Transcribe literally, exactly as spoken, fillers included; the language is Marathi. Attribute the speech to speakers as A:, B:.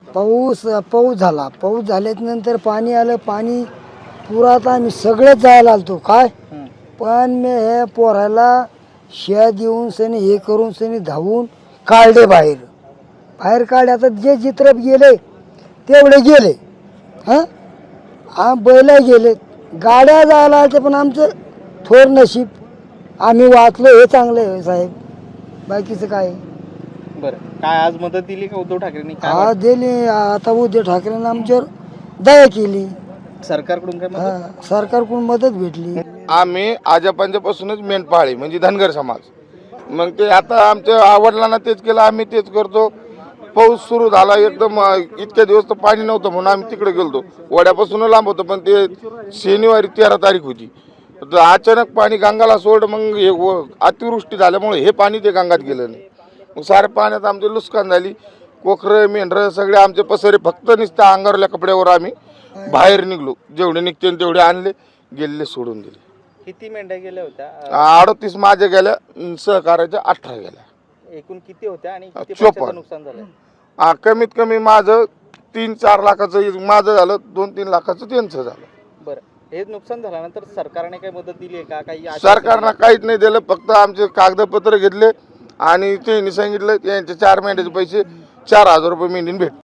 A: पाऊस पाऊस झाला पाऊस झाल्यानंतर पाणी आलं पाणी पुरात आम्ही सगळेच जायला आलतो काय पण मी हे पोराला शिया देऊन सनी हे करून सनी धावून काढले बाहेर बाहेर काढले. आता जे चित्र गेले तेवढे गेले हां हा बैल गेले गाड्या जायला आल्या पण आमचं थोर नशीब आम्ही वाचलो हे चांगलं आहे साहेब बाकीचं काय.
B: बरं काय आज मदत दिली का उद्धव ठाकरेंनी? काय
A: हा
B: वाटतं?
A: दिली. आता उद्धव ठाकरेंनी आमच्यावर दया केली.
B: सरकारकडून काय मदत?
A: हा सरकारकडून मदत भेटली.
C: आम्ही आजोबांच्यापासूनच मेंढपाळी म्हणजे धनगर समाज मग ते आता आमच्या आवडलांना तेच केलं आम्ही तेच करतो. पाऊस सुरू झाला एकदम इतक्या दिवस तर पाणी नव्हतं म्हणून आम्ही तिकडे गेलतो वड्यापासून लांब होतं पण ते शनिवारी तेरा तारीख होती तर अचानक पाणी गंगाला सोड मग हे अतिवृष्टी झाल्यामुळे हे पाणी ते गंगात गेलं नाही. मग साऱ्या पाण्यात आमचे नुकसान झाली. कोखरं मेंढरं सगळे आमचे पसरे फक्त नुसत्या अंगारल्या कपड्यावर आम्ही बाहेर निघलो जेवढे निघते तेवढे आणले गेलेले सोडून दिले.
B: किती मेंढ्या गेल्या होत्या?
C: अडतीस माझ्या गेल्या सहकार्याच्या अठरा गेल्या.
B: एकूण किती होत्या आणि किती
C: चोपन्न.
B: पैशाचं नुकसान झालं?
C: हा कमीत कमी माझं तीन चार लाखाचं माझं झालं दोन तीन लाखाचं त्यांचं झालं.
B: बरं हे नुकसान झाल्यानंतर सरकारने काही मदत दिली आहे का? काही आश्वासन
C: सरकारनं काहीच नाही दिलं फक्त आमचे कागदपत्र घेतले आणि त्यांनी सांगितलं यांचे चार महिन्याचे पैसे चार हजार रुपये महिन्याने भेट